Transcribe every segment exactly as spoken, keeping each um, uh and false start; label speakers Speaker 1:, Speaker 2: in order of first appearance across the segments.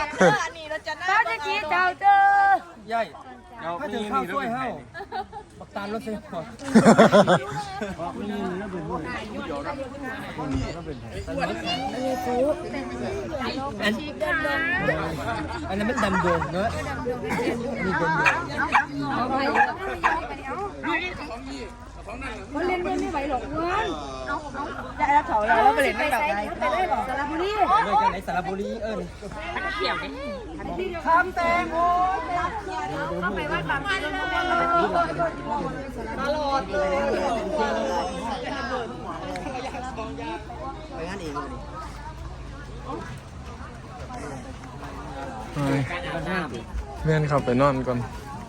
Speaker 1: ป้าจะชี้เจ้าเจอย่
Speaker 2: อยถ้าถึงข้าวช่วยเฮ้าปักตาลรถเสียก่อนอันนั้นมันดำโดงเนอะมีดำโดง
Speaker 1: มันเล่นไม่ไหวหรอกเว้ยจะรับเฉาแล้วไปเล่นไม่กลับได้ไปเลยสระบุรี
Speaker 2: เลยกันไหนสระบุรีเออเขียวคำแตงโม
Speaker 1: เข้าไปว่าตลอดเลย
Speaker 2: ไปงานเอง
Speaker 3: เลยเพื่อนขับไปนอนก่อน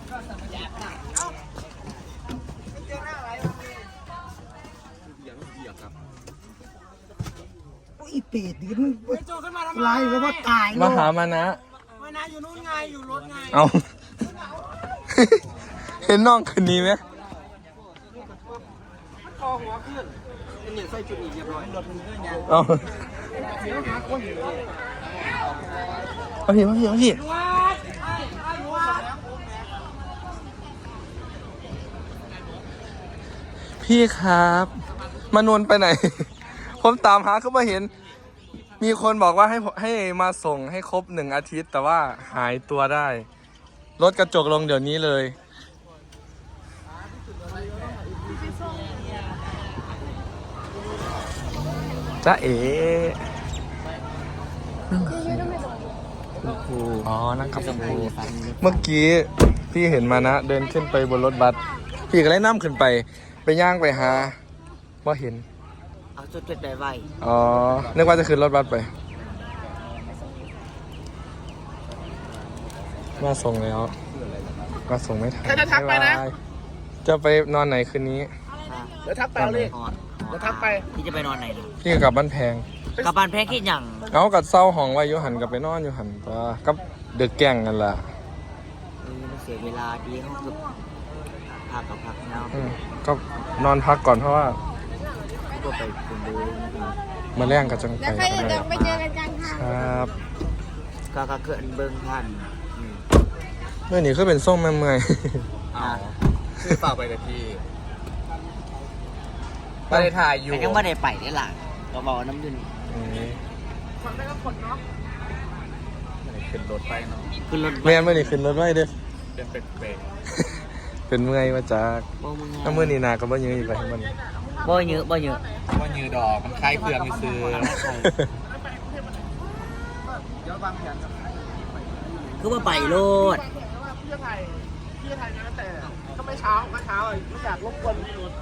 Speaker 2: อีเป็ดดิมึงไล่แล้วว่าตาย
Speaker 3: มาหามานะ
Speaker 2: มานะอยู่นู่นไงอยู่รถไง
Speaker 3: เอาเห็นน้องคืนนี้ไหม
Speaker 2: คอหัวขึ้นเป็นอย่างใส่จุดอีกเรียบร้อยรถมันเลื่อนยาง
Speaker 3: เอาเอาพี่เอาพี่เอาพี่พี่ครับมานวลไปไหนผมตามหาเขามาเห็นมีคนบอกว่าให้ให้มาส่งให้ครบหนึ่งอาทิตย์แต่ว่าหายตัวได้รถกระจกลงเดี๋ยวนี้เลยจ้าเอ๋อ๋อนั่งกับคุณครูเมื่อกี้พี่เห็นมานะเดินขึ้นไปบนรถบัสพี่ก็เลยนั่งขึ้นไปไปย่างไปหาว่าเห็น
Speaker 2: เอาจุดจุดใดไว้
Speaker 3: อ๋อนึกว่าจะขึ้นรถบัสไปมาส่งแล้วมาส่งไม่ทัน
Speaker 2: จะทักไปนะ
Speaker 3: จะไปนอนไหนคืนนี้
Speaker 2: เดี๋ยวทักไปเลยเดี๋ยวทักไปพี่จะไปนอนไหน
Speaker 3: พี่กลับบ้านแพง
Speaker 2: กลับบ้านแพงคิดอย่าง
Speaker 3: เอากัดเศร้าห้องไว้ยุหันกับไปนอนอยู่หันตัวกับเดือดแก่งกันล่ะ
Speaker 2: เสียเวลาดีเขาคือพักกับพักเนาะ
Speaker 3: ก็นอนพักก่อนเพราะว่า
Speaker 2: ก็ไปคุณดู
Speaker 3: มาแรงกับจังไป
Speaker 1: ไปเจอกันจังค่ะ
Speaker 3: ครับ
Speaker 2: ก็ก็เกิดเบิ้งพัน
Speaker 3: เมื่อนี้ก็เป็นส้มเมื่อย
Speaker 2: คือฝากไปแต่ที่ไปถ่ายอยู่ยังไม่ได้ไปได้หลังก็บอกน้ำยืนฟังได้ก็ผลเนาะขึ้นรถไปเนาะขึ้นรถ
Speaker 3: แม่เมื่อนี้ขึ้นรถไว้เด้อ
Speaker 2: เป็นเป็น
Speaker 3: เป็นเมื่อยมาจากถ้าเมื่อนี้นาก็บ่เยอะอีกไปมัน
Speaker 2: บ่เยอะบ่เยอะบ่เยอะดอกมันคล้ายเปลือกมีซื้อคือว่าไปโลดพี่จะถ่ายพี่จะถ่ายนะแต่ก็ไม่เช้าไม่เช้าไม่อยากรบกวน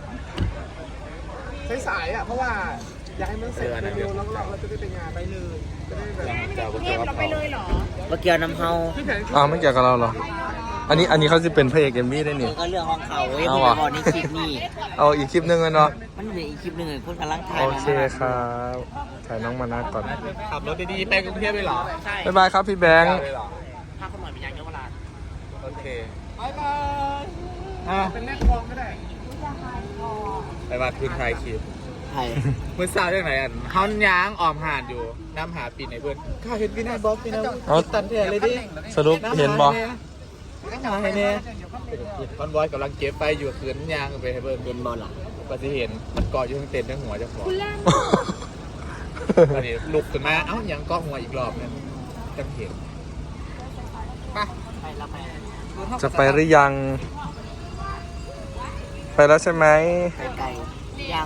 Speaker 2: สายๆอ่ะเพราะว่าอยากให้มันเสร็จเร็วๆแล้วเราจะได้ไปงานไปเลยจะได้แบบเทพเราไปเลยเหรอว่าเกี่ยวน้ำเฮา
Speaker 3: อ้าวไม่เกี่ยวกับเราหรออันนี้อันนี้เขาจะเป็นพระเอกเอ็มวีได้นี่
Speaker 2: ก็เรื่องของเขาเว้ยพี่บอกในคลิปนี้
Speaker 3: เอาอีกคลิปนึงเลยเนาะ
Speaker 2: มันมีอีกคลิปนึงเลยคนกำลังถ่าย
Speaker 3: โอเคครับถ่ายน้องมานาก่อน
Speaker 2: ขับรถดีๆไปกรุงเทพเลยเหรอ
Speaker 3: ใช่บ๊ายบายครับพี่แบงค์
Speaker 2: พาคนหน่อยไปยังเยาวราชโอเคบ๊ายบายเป็นเล่นกองก็ได้ไปมาคืนไทยคลิปไทยเมื่อเช้าจากไหนอ่ะเขาย้างออมหาดอยู่น้ำหาปีไหนเพื่อนข้าเห็นพี่นายบ๊อบพี่นายเอาตันเทียเลยดิ
Speaker 3: สรุปเห็นบอ
Speaker 2: น้ำหาให้เนี่ยคอนบอยกำลังเก็บไปอยู่คืนยางไปให้เพื่อนเป็นบอลหลังก็จะเห็นมันเกาะอยู่ทั้งเต็นท์ทั้งหัวเจ้าของตอนนี้ลุกขึ้นมาเอ้ายังเกาะหัวอีกรอบนึงจะเห็นไปไปแล้วไป
Speaker 3: จะไปหรือยังไปแล้วใช่ไหม
Speaker 2: ไปไกลยัง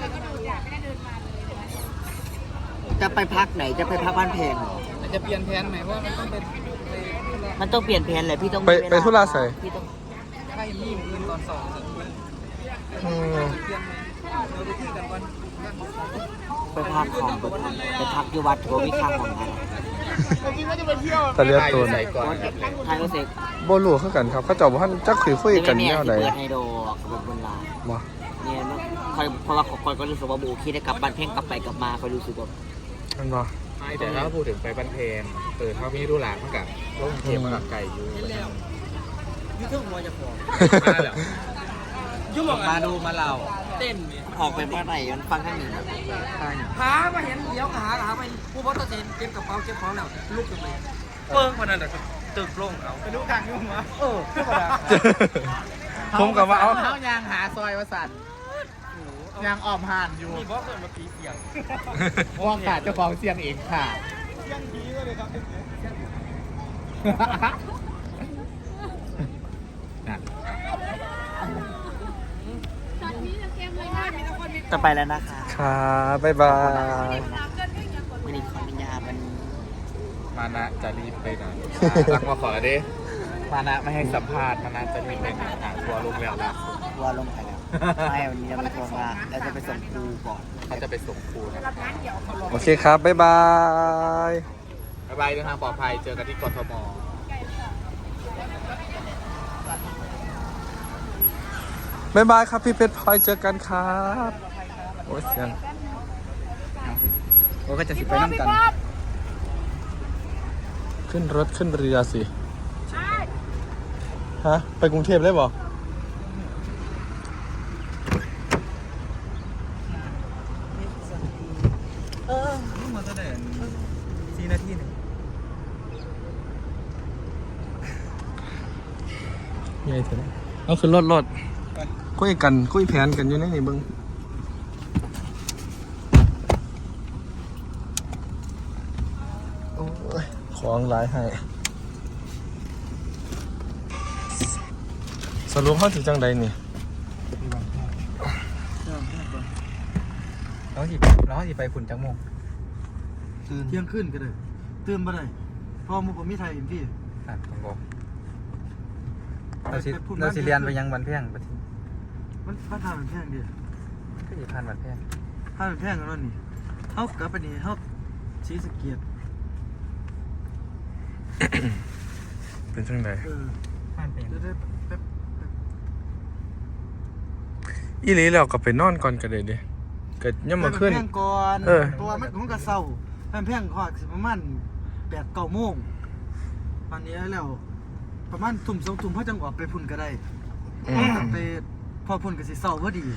Speaker 2: จะไปพักไหนจะไปพักบ้านแพงจะเปลี่ยนแผนไหมว่ามันต้องเป็นมันต้องเปลี่ยนแผนเลยพี่ต้อง
Speaker 3: ไปไปทุราใส่
Speaker 2: พี่ต้องให้ยี่มคืนตอนสองไปพักของไปพักอยู่วัดโถวิคังของอะไร
Speaker 3: ตะเลียตัวไหน
Speaker 2: ก่อนไทยก็เสก
Speaker 3: โบลูเขากันครับเขาเจ้าบ้านจักคุยคุยกันเนี่ยไหน
Speaker 2: เปิดไฮโดขบวนบนลา
Speaker 3: บ่
Speaker 2: เนี่ยคอยเพราะว่าคอยก็รู้สึกว่าบูคิดได้กลับบ้านเพ่งกลับไปกลับมาคอยรู้สึกว่า
Speaker 3: มันบ่
Speaker 2: แต่ถ้าพูดถึงไปบ้านเพนเปิดเขามีรูหลานเขากับลงเทียมกับไก่อยู่ยุ่งทุ่งมัวจะพอมาแล้วยุ่งมาดูมาเล่าเต้นออกไปบ้านไหนมันฟังข้างหนึ่งหามาเห็นเดี๋ยวหาหาไปผู้บริหารเก็บกระเป๋าเก็บของแล้วลุกขึ้นไป
Speaker 3: เปิ้งมันนั่นแหละตึกลงเอา
Speaker 2: ไปดูทางยุ่งวะเออ
Speaker 3: ผมกับว่าเอา
Speaker 2: เขายางหาซอยวสันยางออมห่านอยู่
Speaker 3: มีบอสเกิดมาปีเสียง
Speaker 2: ว่างขาดเจ้าของเสียงเองค่ะเสียงดีเลยครับนะ
Speaker 1: จะไปแล้วนะคะ
Speaker 3: ครับบ๊ายบาย
Speaker 1: ไม่ได้ขออนุญาตมัน
Speaker 2: มานะจะรีบไปไหนรักมาขอดิมานะไม่ให้สัมภาษณ์มานะจะรีบไปไหนหาทัวร์ลงแล้วล่ะ
Speaker 1: ว่าลงไปแล้วไม่วันนี้เราไม่โทรมาเราจะไปส่งครูก่อน
Speaker 2: เขาจะไปส่งครูนะ
Speaker 3: โอเคครับบ๊ายบาย
Speaker 2: บ๊ายบายเดินทางปลอดภัยเจอกันที่กทม
Speaker 3: บ๊ายบายครับพี่เพชรพลอยเจอกันครับโอ้ยเสียง
Speaker 2: โอ้ก็จะสิไปน้ำกัน
Speaker 3: ขึ้นรถขึ้นเรือสิฮะไปกรุงเทพเลยบ่
Speaker 1: เออ
Speaker 2: มาแสดงสี่นาทีหนึ่ง
Speaker 3: ยังไงเถอะเอาขึ้นรถรถคุยกันคุยแผนกันอยู่ในนี่เบิ้งโอ้ยของหลายให้สรุปเขาถึงจังใดนี่
Speaker 2: แล้วสิแล้วสิไปขุนจังมง
Speaker 4: ตื่นเที่ยงขึ้นก็ได้ตื่นมาได้พอมุกผมมีไทยอินพี่
Speaker 2: อ่านของบอก
Speaker 4: เราสิ
Speaker 2: เราสิเรียนไปยังวันเพียงปะที
Speaker 4: มันมันทานเป็นแพงดิ
Speaker 2: ก็สิพันวันเพียง
Speaker 4: ทานเป็นแพงกันแล้วนี่เขากลับไปนี่เขาชี้สเกียรติ
Speaker 3: เป็นจังใด
Speaker 4: เออ
Speaker 2: พันเป็น
Speaker 4: จะได้แป๊บ
Speaker 3: อีหลีแล้วก็ไปนอนก่อนก็ได้เด้เกิดย่ำมาขึ้น
Speaker 4: แพงก่อน
Speaker 3: เออ
Speaker 4: ตัวมันมันก็เศร้าแพงแพงขอสิประมาณแปดเก้าโมงวันนี้แล้วประมาณทุ่มสองทุ่มเขาจังออกไปพุ่นก็ได้
Speaker 3: อืม
Speaker 4: ไปพอพุ่นก็สิเศร้าพอดี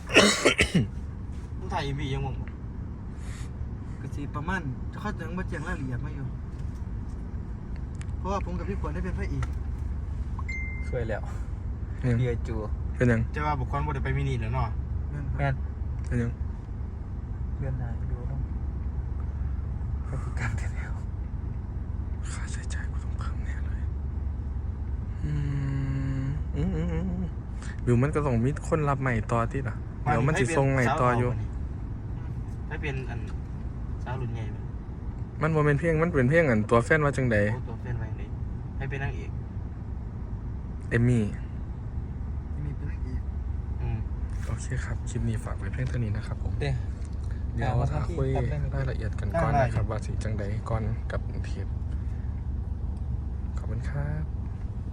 Speaker 2: มึงถ่ายอีวียังมง
Speaker 4: ก็สิประมาณเขาจังมาแจ้งรายละเอียดมาอยู่เพราะว่าผมกับพี่ขวัญได้เป็นพระเอก
Speaker 2: ช่วยแล้ว
Speaker 3: ยัง
Speaker 2: เดียจู
Speaker 3: เป็นยัง
Speaker 2: จะว่าบุคคลบ่ได้ไปมินิแล้วเนาะ
Speaker 4: แม่นครับ
Speaker 2: แม่น
Speaker 3: เป็นยัง
Speaker 2: เพื่อนนายดูต้องพฤติกรรมกันแล้ว
Speaker 3: ค่าใช้จ่ายกูต้องเพิ่มแน่เลยอืมอืมอืมอืมหรือมันก็ต้องมีคนรับใหม่ต่อที่ล่ะเดี๋ยวมันจะทรงใหม่ต่ออยู่
Speaker 2: ให้เป็นอันสาวรุ่นใหญ่ไหม
Speaker 3: มันบ่เป็นเพียงมันเป็นเพียงอันตัวแฟนว่าจังใด
Speaker 2: โอ้ตัวแฟนไว้ไหนให้เป็นนางเอก
Speaker 3: เอมมี่
Speaker 4: มีเป็นพระเอก
Speaker 2: อืม
Speaker 3: โอเคครับคลิปนี้ฝากไว้เพียงเท่านี้นะครับผม
Speaker 2: เด้
Speaker 3: เดี๋ยวถ้าคุยรายละเอียดกันก่อนนะครับว่าสิจังใดก่อนกับเทปขอบคุณครับ